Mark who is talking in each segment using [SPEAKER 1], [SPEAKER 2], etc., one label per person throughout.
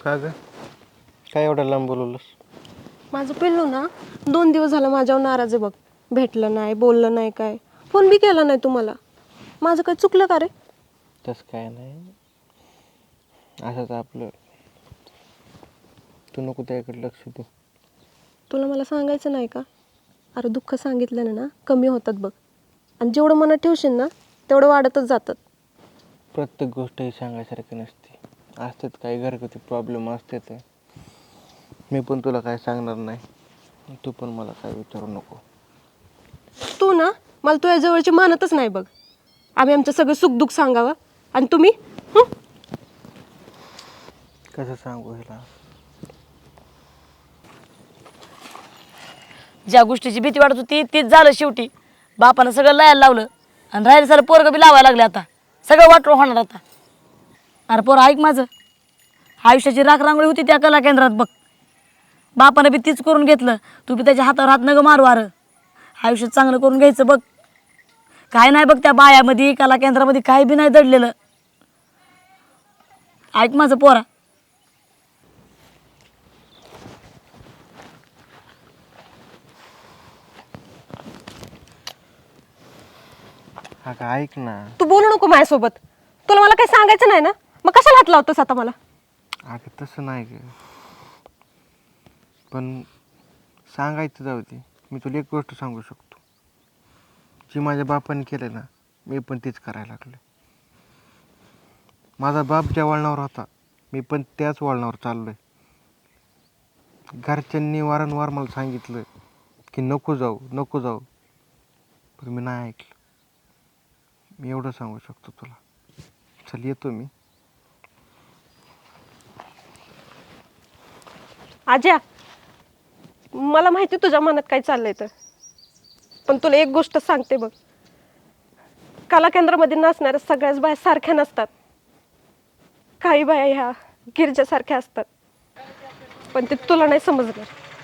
[SPEAKER 1] का ग? काय एवढं लांब बोलवलंस?
[SPEAKER 2] माझं पिल्लू ना 2 दिवस झालं माझ्यावर नाराज आहे बघ. भेटलं नाही, बोललं नाही, काय फोन बी केला नाही तुम्हाला. माझं काय चुकलं का रे?
[SPEAKER 1] तसं काय नाही, असंच आपलं. तू नको त्याकडे लक्ष दे.
[SPEAKER 2] तुला मला सांगायचं नाही का? अरे दुःख सांगितल्यानं ना कमी होतात बघ, आणि जेवढं मनात ठेवशील ना तेवढं वाढतच जातात.
[SPEAKER 1] प्रत्येक गोष्ट ही सांगायसारखी नसते. असतात काही घरगुती प्रॉब्लेम असतात. मी पण तुला काय सांगणार नाही, तू पण मला काय विचारू नको.
[SPEAKER 2] तू ना मला तुझ्या जवळची मानतच नाही बघ. आम्ही आमचं सगळं सुखदुःख सांगावं आणि तुम्ही
[SPEAKER 1] कसं सांगू हिला?
[SPEAKER 3] ज्या गोष्टीची भीती वाटत होती तीच झालं शेवटी. बापानं सगळं लायला लावलं आणि राहिलं सारं पोरगं बी लावायला लागले. आता सगळं वाटलं होणार आता. अरे पोरं ऐक माझं, आयुष्याची रांगोळी होती त्या कला केंद्रात बघ. बापानं बी तीच करून घेतलं. तू बी त्याच्या हातावर हात नगं मारू. अरे आयुष्य चांगलं करून घ्यायचं बघ. काय नाही बघ त्या बायामध्ये कला केंद्रामध्ये काही बी नाही दडलेलं. ऐक माझं पोरा.
[SPEAKER 1] अगं ऐक ना.
[SPEAKER 2] तू बोलू नको माझ्यासोबत. तुला मला काही सांगायचं नाही ना, मग कशाला हात लावतोस आता मला?
[SPEAKER 1] अगं तसं नाही ग, पण सांगायचं जाऊ दे. मी तुला एक गोष्ट सांगू शकतो, जी माझ्या बापाने केलं ना मी पण तीच करायला लागलो. माझा बाप ज्या वळणावर होता मी पण त्याच वळणावर चाललो आहे. घरच्यांनी वारंवार मला सांगितलं की नको जाऊ नको जाऊ, पण मी नाही ऐकलं. मी एवढं सांगू शकतो तुला. चल येतो मी.
[SPEAKER 2] आज्या, मला माहिती तुझ्या मनात काय चाललंय तर, पण तुला एक गोष्ट सांगते बघ. कला केंद्रामध्ये नसणाऱ्या सगळ्याच बाया सारख्या नसतात. काही बाया ह्या गिरजासारख्या असतात, पण ते तुला नाही समजणार.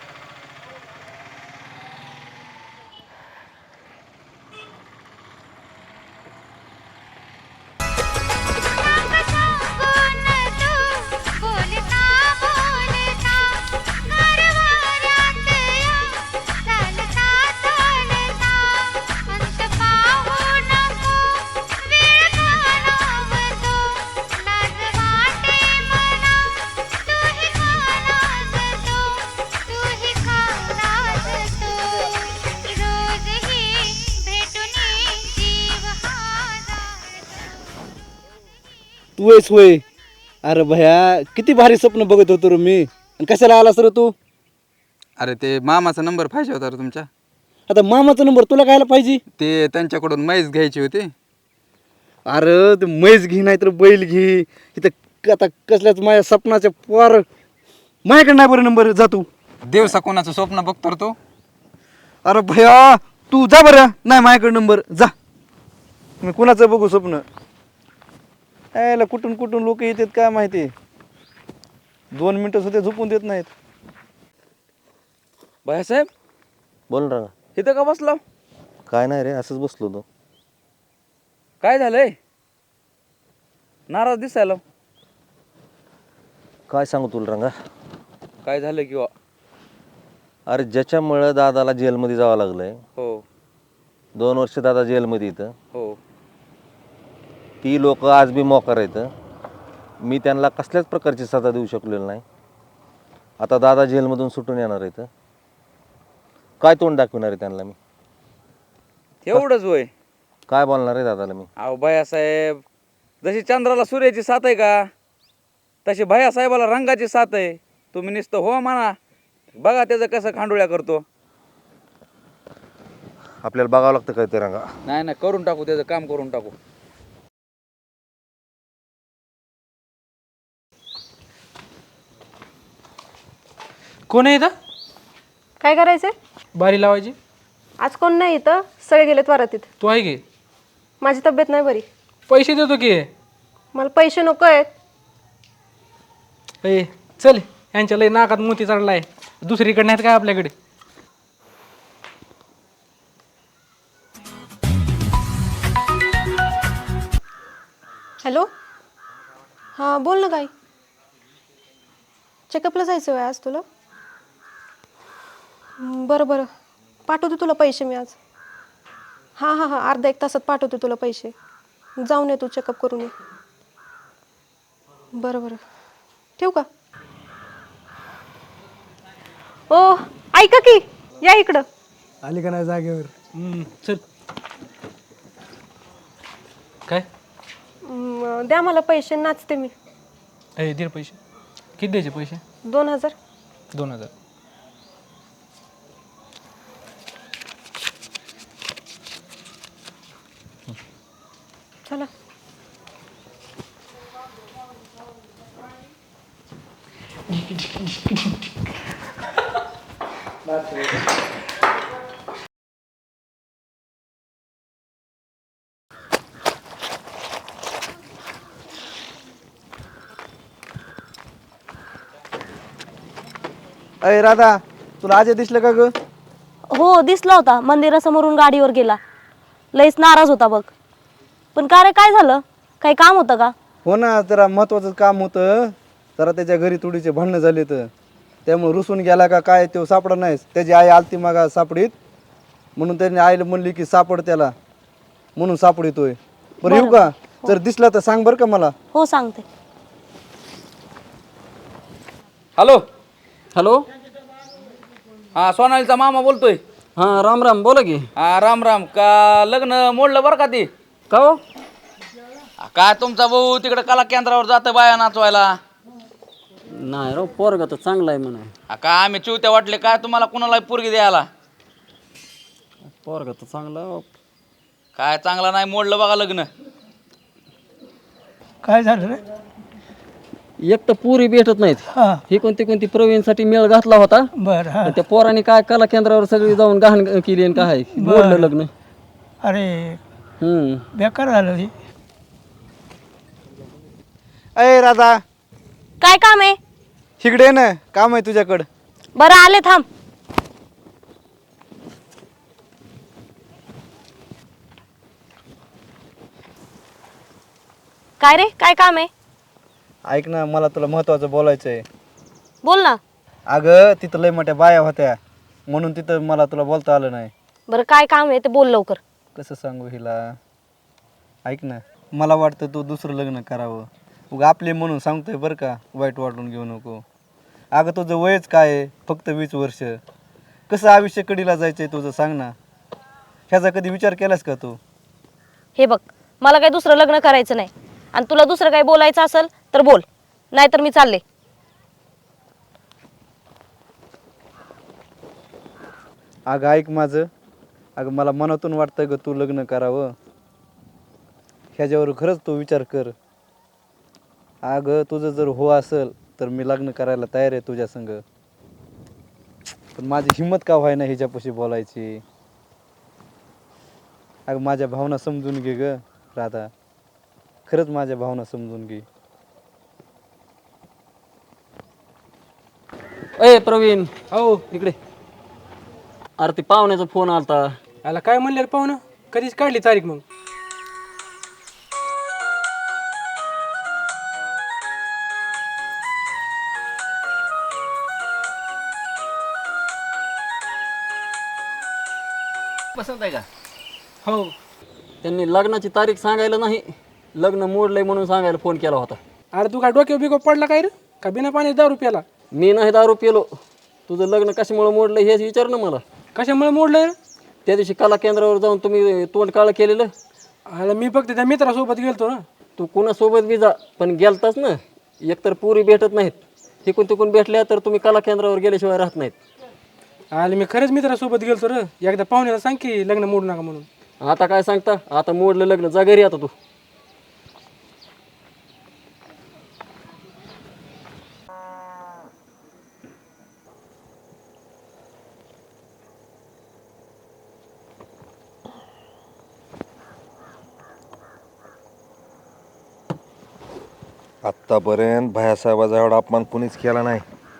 [SPEAKER 4] तू आहेस होय? अरे भया, किती भारी स्वप्न बघत होतो रे मी. आणि कशाला आलास रे तू?
[SPEAKER 5] अरे ते मामाचा नंबर पाहिजे होता रे तुमच्या.
[SPEAKER 4] आता मामाचा नंबर तुला कायला पाहिजे?
[SPEAKER 5] ते त्यांच्याकडून म्हैस घ्यायची होती.
[SPEAKER 4] अरे ते म्हैस घे नाही तर बैल घे. इथं आता कसल्याच माझ्या स्वप्नाच्या पोर माझ्याकडे नाही बरं नंबर. जा तू.
[SPEAKER 5] दिवसा कोणाचं स्वप्न बघतो रे तू?
[SPEAKER 4] अरे भया तू जा बरं. नाही माझ्याकडे नंबर. जा. मी कुणाचं बघू स्वप्न? यायला कुठून कुठून लोक येतात काय माहिती. 2 मिनिटं सुद्धा झोपून देत नाहीत.
[SPEAKER 6] भाईसाहेब,
[SPEAKER 4] बोल ना.
[SPEAKER 6] इथं का बसला?
[SPEAKER 4] काय नाही रे, असंच बसलो होतो.
[SPEAKER 6] काय झालंय? नाराज दिसायला.
[SPEAKER 7] काय सांगू तुला रंगा?
[SPEAKER 6] काय झालं किंवा?
[SPEAKER 7] अरे ज्याच्यामुळं दादाला जेलमध्ये जावं लागलंय.
[SPEAKER 6] हो
[SPEAKER 7] 2 वर्ष दादा जेलमध्ये इथं.
[SPEAKER 6] हो.
[SPEAKER 7] ती लोक आज बी मोकार आहेत. मी त्यांना कसल्याच प्रकारची सजा देऊ शकलेलो नाही. आता दादा जेलमधून सुटून येणार आहेत. काय तोंड दाखवणार आहे त्यांना मी?
[SPEAKER 6] एवढंच होय?
[SPEAKER 7] काय बोलणार आहे दादाला मी?
[SPEAKER 6] अहो भैयासाहेब, जशी चंद्राला सूर्याची साथ आहे का, तशी भैयासाहेबाला रंगाची साथ आहे. तुम्ही नुसतं हो म्हणा, बघा त्याचं कसं खांडोळ्या करतो.
[SPEAKER 7] आपल्याला बघावं लागतं काय ते रंगा.
[SPEAKER 6] नाही नाही, करून टाकू, त्याचं काम करून टाकू.
[SPEAKER 8] कोण आहे इथं?
[SPEAKER 2] काय करायचंय?
[SPEAKER 8] बारी लावायची.
[SPEAKER 2] आज कोण नाही इथं, सगळे गेलेत वरातीत.
[SPEAKER 8] तू आहे की?
[SPEAKER 2] माझी तब्येत नाही बरी.
[SPEAKER 8] पैसे देतो की.
[SPEAKER 2] मला पैसे नको आहेत.
[SPEAKER 8] ए चल, यांच्या लय नाकात मोती चढलाय. दुसरीकडे नाहीत काय आपल्याकडे?
[SPEAKER 2] हॅलो, हां बोल ना. काय चेकअपला जायचं आहे आज तुला? बरं बरं, पाठवते तुला पैसे मी आज. हां हां हां, अर्धा एक तासात पाठवते तुला पैसे. जाऊन ये तू, चेकअप करून ये. बरं बरं, ठेवू का? ओ ऐका की, या इकडं.
[SPEAKER 9] आली का नाही जागेवर?
[SPEAKER 8] चल. काय
[SPEAKER 2] द्या मला पैसे, नाचते मी.
[SPEAKER 8] ए दे रे पैसे. किती द्यायचे पैसे?
[SPEAKER 2] 2000.
[SPEAKER 8] 2000.
[SPEAKER 2] चला.
[SPEAKER 4] अय राधा, तुला अजय दिसलं का ग?
[SPEAKER 3] हो दिसला होता, मंदिरासमोरून गाडीवर गेला. लईच नाराज होता बघ. पण का रे, काय झालं? काही काम होतं का?
[SPEAKER 4] हो ना, जरा महत्वाचं काम होतं. जरा त्याच्या घरी थोडीचे भांडणं झाले तर त्यामुळे रुसून गेला का काय तो सापडा नाहीस. त्याची आई आलती मागा सापडीत, म्हणून त्यांनी आईला म्हणली की सापड त्याला, म्हणून सापडितोय. बरं येऊ का? जर दिसला तर सांग बरं का मला.
[SPEAKER 3] हो सांगते.
[SPEAKER 6] हॅलो.
[SPEAKER 9] हॅलो.
[SPEAKER 6] हा, सोनालीचा मामा बोलतोय.
[SPEAKER 9] हां राम राम, बोला की.
[SPEAKER 6] हा, राम राम. का लग्न मोडलं बरं का ती?
[SPEAKER 9] का हो?
[SPEAKER 6] काय तुमचा भाऊ तिकडे कला केंद्रावर जातं बाया नाचवायला?
[SPEAKER 9] नाही राव, पोरगा तर चांगला आहे म्हणा.
[SPEAKER 6] काय आम्ही चिवत्या वाटले काय तुम्हाला कुणाला पोरगी द्यायला?
[SPEAKER 9] पोरगा तर चांगला.
[SPEAKER 6] काय चांगला नाही, मोडलं बघा लग्न.
[SPEAKER 10] काय झालं रे?
[SPEAKER 9] एक तर पुरी भेटत नाहीत.
[SPEAKER 10] हां
[SPEAKER 9] ही कोणती प्रवीणसाठी मेळ घातला होता.
[SPEAKER 10] बरं हां.
[SPEAKER 9] पण त्या पोराने काय कला केंद्रावर सगळी जाऊन गहाण केली आणि काय मोडलं लग्न.
[SPEAKER 10] अरे
[SPEAKER 9] हम्म.
[SPEAKER 10] बेकार झालं हे.
[SPEAKER 4] अय राधा,
[SPEAKER 3] काय काम आहे?
[SPEAKER 4] इकडे ये ना, काम आहे तुझ्याकडं.
[SPEAKER 3] बरं आले, थांब. काय रे, काय काम आहे?
[SPEAKER 4] ऐक ना, मला तुला महत्वाचं बोलायचं आहे.
[SPEAKER 3] बोल ना.
[SPEAKER 4] अगं तिथं लय मोठ्या बाया होत्या, म्हणून तिथं मला तुला बोलता आलं नाही.
[SPEAKER 3] बरं काय काम आहे ते बोल लवकर.
[SPEAKER 4] कसं सांगू हिला? ऐक ना, मला वाटतं तू दुसरं लग्न करावं. उगा आपले म्हणून सांगतोय बरं का, वाईट वाटून घेऊ नको. अगं तुझं वयच काय आहे? फक्त 20 वर्ष. कसं आयुष्य कडीला जायचंय तुझं, सांग ना. ह्याचा कधी विचार केलास का तू?
[SPEAKER 3] हे बघ, मला काही दुसरं लग्न करायचं नाही. आणि तुला दुसरं काही बोलायचं असेल तर बोल, नाहीतर मी चालले.
[SPEAKER 4] अगं ऐक माझं. अगं मला मनातून वाटतं ग तू लग्न करावं. ह्याच्यावर खरंच तू विचार कर. अगं तुझं जर हो असेल तर मी लग्न करायला तयार आहे तुझ्या संग. पण माझी हिंमत का व्हाय ना ह्याच्यापाशी बोलायची. अगं माझ्या भावना समजून घे ग राधा, खरंच माझ्या भावना समजून घे.
[SPEAKER 9] ए प्रवीण,
[SPEAKER 8] हो.
[SPEAKER 9] इकडे. अरे ते पाहुण्याचा फोन आलता.
[SPEAKER 8] याला काय म्हणले रे पाहुणं? कधीच काढली तारीख मग?
[SPEAKER 9] पसंत आहे का?
[SPEAKER 8] हो.
[SPEAKER 9] त्यांनी लग्नाची तारीख सांगायला नाही, लग्न मोडलंय म्हणून सांगायला फोन केला होता.
[SPEAKER 8] अरे तू काय डोक्यावर बिको पडला काय रे? का बिना पाणी दारू प्याला?
[SPEAKER 9] मी नाही दारू पिलो. तुझं लग्न कशामुळे मोडलं हेच विचार ना मला.
[SPEAKER 8] कशामुळे मोडलं रे?
[SPEAKER 9] त्या दिवशी कला केंद्रावर जाऊन तुम्ही तोंड काळं केलेलं.
[SPEAKER 8] अरे मी फक्त त्या मित्रासोबत गेलतो ना.
[SPEAKER 9] तू कुणासोबत बी जा, पण गेलताच ना. एकतर पुरी भेटत नाहीत, तिकून तिकून भेटल्या तर तुम्ही कला केंद्रावर गेल्याशिवाय राहत नाहीत.
[SPEAKER 8] अरे मी खरंच मित्रासोबत गेलतो रे. एकदा पाहुण्याला सांग की लग्न मोडू नका म्हणून.
[SPEAKER 9] आता काय सांगता? आता मोडलं लग्न, जा घरी आता तू.
[SPEAKER 7] आत्तापर्यंत भैयासाहेबाचा एवढा अपमान कुणीच केला नाही.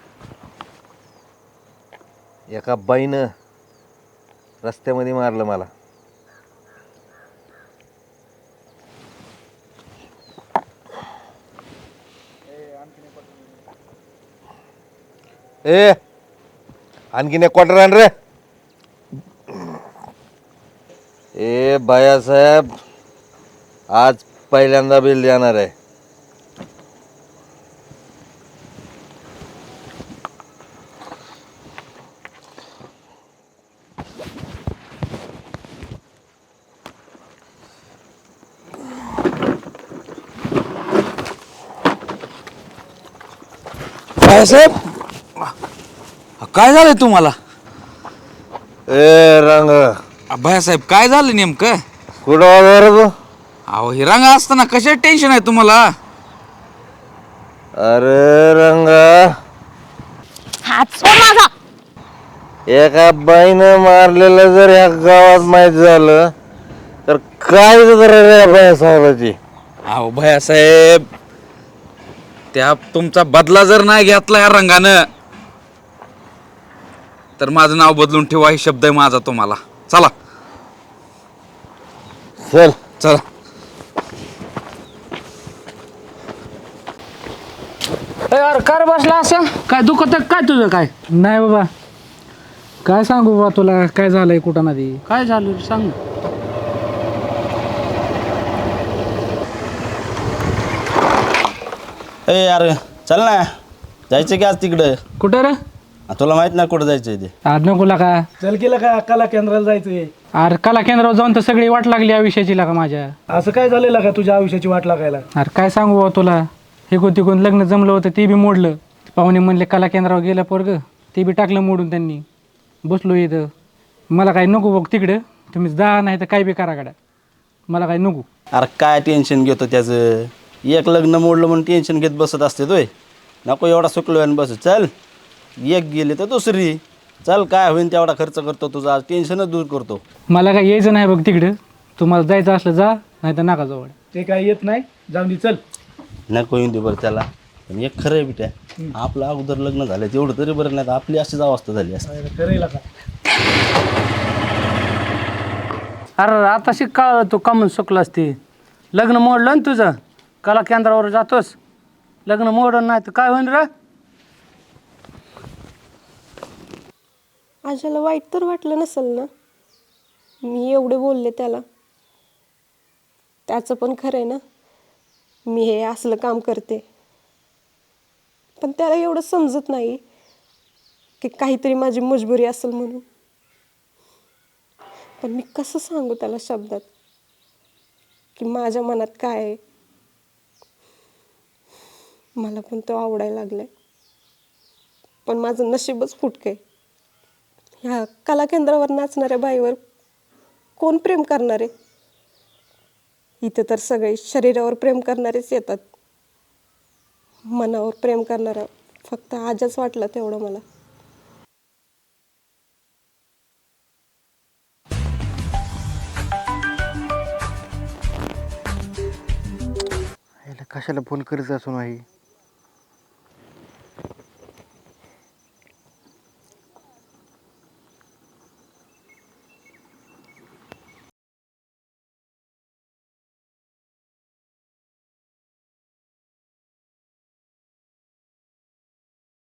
[SPEAKER 7] एका बाईनं रस्त्यामध्ये मारलं मला. ए आणखीन एक क्वार्टर आण रे. ए बायासाहेब, आज पहिल्यांदा बिल देणार आहे.
[SPEAKER 6] साहेब काय झालंय तुम्हाला?
[SPEAKER 7] ए रंग,
[SPEAKER 6] भैयासाहेब काय झालं नेमकं?
[SPEAKER 7] कुठं वाजवा रे तू?
[SPEAKER 6] अहो हे रंग असताना कशात टेन्शन आहे तुम्हाला?
[SPEAKER 7] अरे रंग,
[SPEAKER 3] हात सोड माझा.
[SPEAKER 7] एका बाईनं मारलेलं जर या गावात माहीत झालं तर काय रे बायासाहेबाची.
[SPEAKER 6] अहो भैयासाहेब, त्या तुमचा बदला जर नाही घेतला या रंगानं तर माझं नाव बदलून ठेवा, हे शब्द आहे माझा तुम्हाला. चला
[SPEAKER 7] चल.
[SPEAKER 6] चला.
[SPEAKER 8] यार कार बसला असं काय दुखत काय तुझं काय? नाही बाबा, काय सांगू बाबा तुला काय झालंय कुठं नदी काय झालं सांग.
[SPEAKER 11] ए यार चल ना, जायचं की आज तिकडं.
[SPEAKER 8] कुठं रे?
[SPEAKER 11] तुला माहित नाही कुठं जायचं ते.
[SPEAKER 8] आज नको का चल केलं का कला केंद्राला जायचंय. अरे कला केंद्रावर जाऊन तर सगळी वाट लागली या विषयाची लागा माझ्या. असं काय झालेलं का तुझ्या आयुष्याची वाट लागायला? अरे काय सांगू बाबा तुला, हे तिकून लग्न जमलं होतं ते बी मोडलं. पाहुणे म्हणले कला केंद्रावर गेलं पोरग, ते बी टाकलं मोडून त्यांनी. बसलो इथं, मला काही नको बघ तिकडं, तुम्ही जा नाही तर काय बी करा गाड्या, मला काही नको.
[SPEAKER 11] अरे काय टेन्शन घेतो त्याचं, एक लग्न मोडलं म्हणून टेन्शन घेत बसत असते तोय. नको एवढा सुकलो आणि बस. चल एक गेली तर दुसरी. चल काय होईन तेवढा खर्च करतो तुझा, आज टेन्शनच दूर करतो.
[SPEAKER 8] मला काय यायचं नाही बघ तिकडं, तुम्हाला जायचं असलं जा नाही तर नका जवळ. ते काय येत नाही, जाऊन दे चल.
[SPEAKER 11] नको येऊन दे बरं त्याला. पण एक खरं आहे बिट्या, आपलं अगोदर लग्न झालं तेवढं तरी बरं, नाही तर आपली अशीच अवस्था झाली असते.
[SPEAKER 8] अरे आता शिकाळ तू कमून सुकलास ते. लग्न मोडलं ना तुझं, कला केंद्रावर जातोस, लग्न मोडलं नाही तर काय होईन रे?
[SPEAKER 2] आज्याला वाईट तर वाटलं नसेल ना मी एवढे बोलले त्याला. त्याचं पण खरं आहे ना, मी हे असलं काम करते, पण त्याला एवढं समजत नाही की काहीतरी माझी मजबुरी असेल म्हणून. पण मी कसं सांगू त्याला शब्दात की माझ्या मनात काय आहे. मला पण तो आवडायला लागलाय, पण माझं नशीबच फुटकं आहे. ह्या कला केंद्रावर नाचणाऱ्या बाईवर कोण प्रेम करणार आहे? इथं तर सगळे शरीरावर प्रेम करणारेच येतात, मनावर प्रेम करणारा फक्त आजच वाटलं तेवढं मला.
[SPEAKER 1] कशाला फोन करत असू नाही.